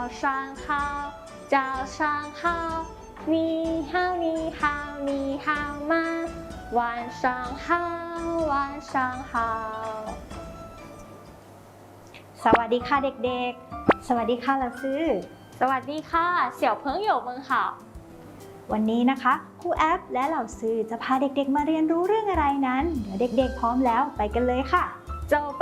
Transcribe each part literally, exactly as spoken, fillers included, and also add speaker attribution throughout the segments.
Speaker 1: 上好早上好你好你好你好吗晚上好晚上好
Speaker 2: สวัสดีค่ะเด็กๆสวัสดีค่ะ老师
Speaker 1: สวัสดีค่ะ小朋友们好
Speaker 2: วันนี้นะคะครูแอปและเหล่าซื้อจะพาเด็กๆมาเรียนรู้เรื่องอะไรนั้นเดี๋ยวเด็กๆพร้อมแล้วไปกันเลยค่ะ
Speaker 1: 走吧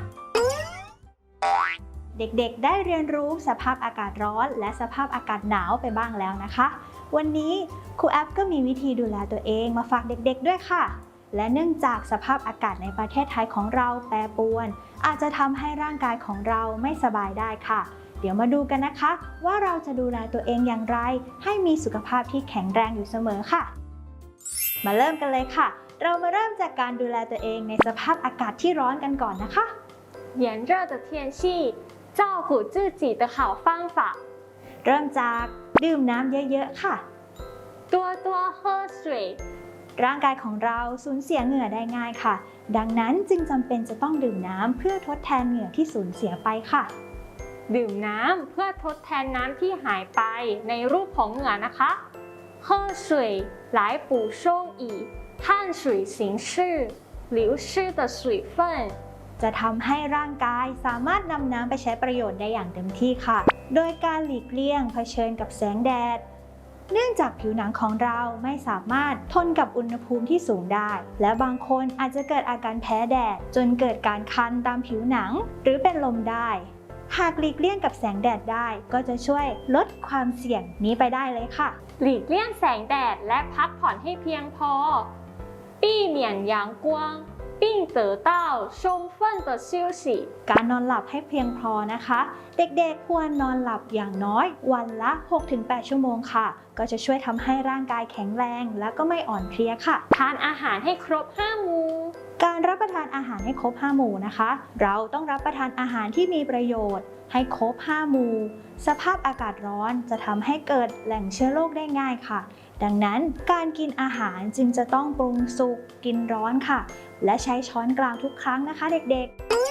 Speaker 2: เด็กๆได้เรียนรู้สภาพอากาศร้อนและสภาพอากาศหนาวไปบ้างแล้วนะคะวันนี้ครูแอปก็มีวิธีดูแลตัวเองมาฝากเด็กๆด้วยค่ะและเนื่องจากสภาพอากาศในประเทศไทยของเราแปรปรวนอาจจะทำให้ร่างกายของเราไม่สบายได้ค่ะเดี๋ยวมาดูกันนะคะว่าเราจะดูแลตัวเองอย่างไรให้มีสุขภาพที่แข็งแรงอยู่เสมอค่ะมาเริ่มกันเลยค่ะเรามาเริ่มจากการดูแลตัวเองในสภาพอากาศที่ร้อนกันก่อนนะคะ
Speaker 1: 炎热的天气照顾自己的好方法
Speaker 2: เริ่มจากดื่มน้ำเยอะๆค่ะ
Speaker 1: 多多喝水
Speaker 2: ร่างกายของเราสูญเสียเหงื่อได้ง่ายค่ะดังนั้นจึงจำเป็นจะต้องดื่มน้ำเพื่อทดแทนเหงื่อที่สูญเสียไปค่ะ
Speaker 1: ดื่มน้ำเพื่อทดแทนน้ำที่หายไปในรูปของเหงื่อนะคะ喝水来补充以碳水形式流失的水分
Speaker 2: จะทำให้ร่างกายสามารถนำน้ำไปใช้ประโยชน์ได้อย่างเต็มที่ค่ะโดยการหลีกเลี่ยงเผชิญกับแสงแดดเนื่องจากผิวหนังของเราไม่สามารถทนกับอุณหภูมิที่สูงได้และบางคนอาจจะเกิดอาการแพ้แดดจนเกิดการคันตามผิวหนังหรือเป็นลมได้หากหลีกเลี่ยงกับแสงแดดได้ก็จะช่วยลดความเสี่ยงนี้ไปได้เลยค่ะ
Speaker 1: หลีกเลี่ยงแสงแดดและพักผ่อนให้เพียงพอ避免阳光并得到充分的休息
Speaker 2: การนอนหลับให้เพียงพอนะคะเด็กๆควรนอนหลับอย่างน้อยวันละ หกถึงแปด ชั่วโมงค่ะก็จะช่วยทำให้ร่างกายแข็งแรงและก็ไม่อ่อนเพลียค่ะ
Speaker 1: ทานอาหารให้ครบห้าหมู่
Speaker 2: การรับประทานอาหารให้ครบห้าหมู่นะคะเราต้องรับประทานอาหารที่มีประโยชน์ให้ครบห้าหมู่สภาพอากาศร้อนจะทำให้เกิดแหล่งเชื้อโรคได้ง่ายค่ะดังนั้นการกินอาหารจึงจะต้องปรุงสุกกินร้อนค่ะและใช้ช้อนกลางทุกครั้งนะคะเด็ก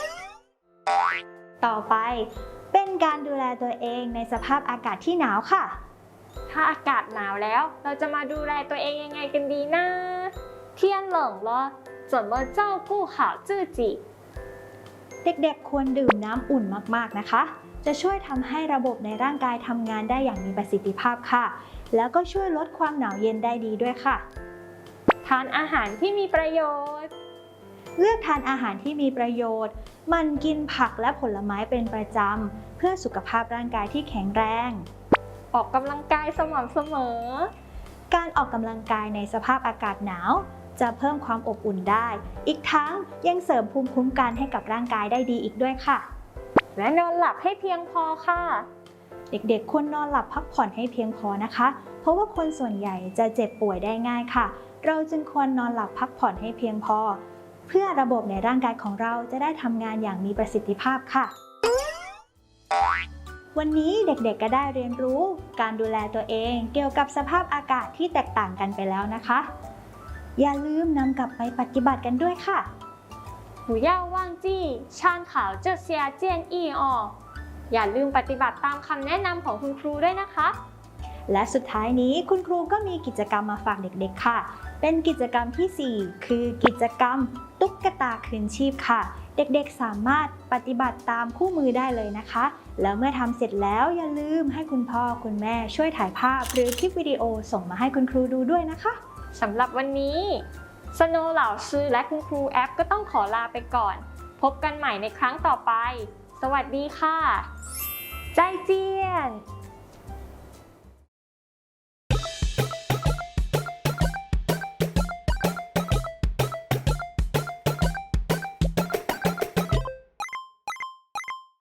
Speaker 2: ๆต่อไปเป็นการดูแลตัวเองในสภาพอากาศที่หนาวค่ะ
Speaker 1: ถ้าอากาศหนาวแล้วเราจะมาดูแลตัวเองยังไงกันดีนะ天冷了怎么照顾好自己
Speaker 2: เด็กๆควรดื่มน้ำอุ่นมากๆนะคะจะช่วยทำให้ระบบในร่างกายทำงานได้อย่างมีประสิทธิภาพค่ะแล้วก็ช่วยลดความหนาวเย็นได้ดีด้วยค่ะ
Speaker 1: ทานอาหารที่มีประโยชน์
Speaker 2: เลือกทานอาหารที่มีประโยชน์มันกินผักและผลไม้เป็นประจำเพื่อสุขภาพร่างกายที่แข็งแรง
Speaker 1: ออกกำลังกายสม่ำเสมอ
Speaker 2: การออกกำลังกายในสภาพอากาศหนาวจะเพิ่มความอบอุ่นได้อีกทั้งยังเสริมภูมิคุ้มกันให้กับร่างกายได้ดีอีกด้วยค่ะ
Speaker 1: และนอนหลับให้เพียงพอค่ะ
Speaker 2: เด็กๆควรนอนหลับพักผ่อนให้เพียงพอนะคะเพราะว่าคนส่วนใหญ่จะเจ็บป่วยได้ง่ายค่ะเราจึงควรนอนหลับพักผ่อนให้เพียงพอเพื่อระบบในร่างกายของเราจะได้ทำงานอย่างมีประสิทธิภาพค่ะวันนี้เด็กๆก็ได้เรียนรู้การดูแลตัวเองเกี่ยวกับสภาพอากาศที่แตกต่างกันไปแล้วนะคะอย่าลืมนำกลับไปปฏิบัติกันด้วยค่ะ
Speaker 1: 不要忘记参考这些建议哦อย่าลืมปฏิบัติตามคำแนะนำของคุณครูด้วยนะคะ
Speaker 2: และสุดท้ายนี้คุณครูก็มีกิจกรรมมาฝากเด็กๆค่ะเป็นกิจกรรมที่สี่คือกิจกรรมตุ๊กตาคืนชีพค่ะเด็กๆสามารถปฏิบัติตามคู่มือได้เลยนะคะแล้วเมื่อทำเสร็จแล้วอย่าลืมให้คุณพ่อคุณแม่ช่วยถ่ายภาพหรือคลิปวิดีโอส่งมาให้คุณครูดูด้วยนะคะ
Speaker 1: สำหรับวันนี้สโนว์เหล่าซื้อและคุณครูแอปก็ต้องขอลาไปก่อนพบกันใหม่ในครั้งต่อไปสวัสดีค่ะใจเจียน